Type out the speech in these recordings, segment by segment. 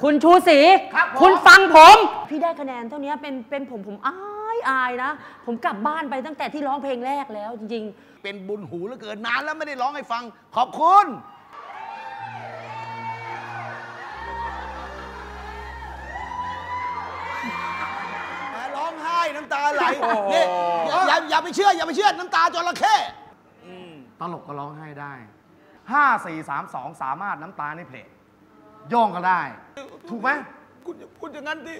คุณชูศรีคุณฟังผมพี่ได้คะแนนเท่านี้เป็นผมอายนะผมกลับบ้านไปตั้งแต่ที่ร้องเพลงแรกแล้วจริงๆเป็นบุญหูเหลือเกินนานแล้วไม่ได้ร้องให้ฟังขอบคุณร้องไห้น้ำตาไหลนี่อย่าไปเชื่อน้ำตาจระเข้ตลกก็ร้องไห้ได้5 4 3 2สามารถน้ำตาในเพลงโย่องก็ได้ถูกไหมคุณอย่าพูดอย่างนั้นดิ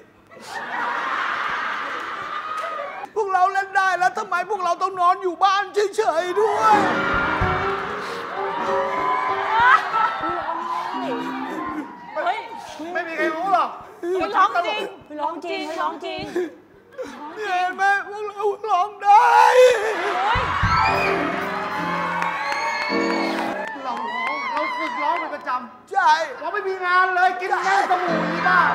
พวกเราเล่นได้แล้วทำไมพวกเราต้องนอนอยู่บ้านเฉยๆด้วยไม่มีใครรู้หรอกร้องจริงร้องจริงเห็นไหมพวกเราร้องได้เราฝึกร้องเป็นประจำใช่เราไม่มีงานเลยกินแค่สบู่นี่บ้า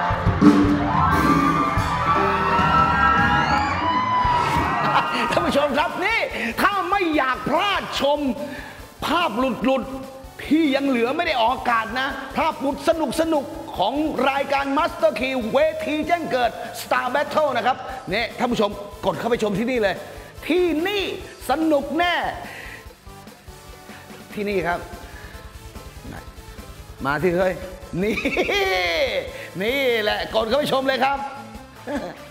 ท่านผู้ชมครับนี่ถ้าไม่อยากพลาดชมภาพหลุดที่ยังเหลือไม่ได้ออกอากาศนะภาพหลุดสนุกของรายการ Master Key เวทีแจ้งเกิด Star Battle นะครับเนี่ยท่านผู้ชมกดเข้าไปชมที่นี่เลยที่นี่สนุกแน่ที่นี่ครับมาที่เฮ้ยนี่แหละกดเข้าไปชมเลยครับ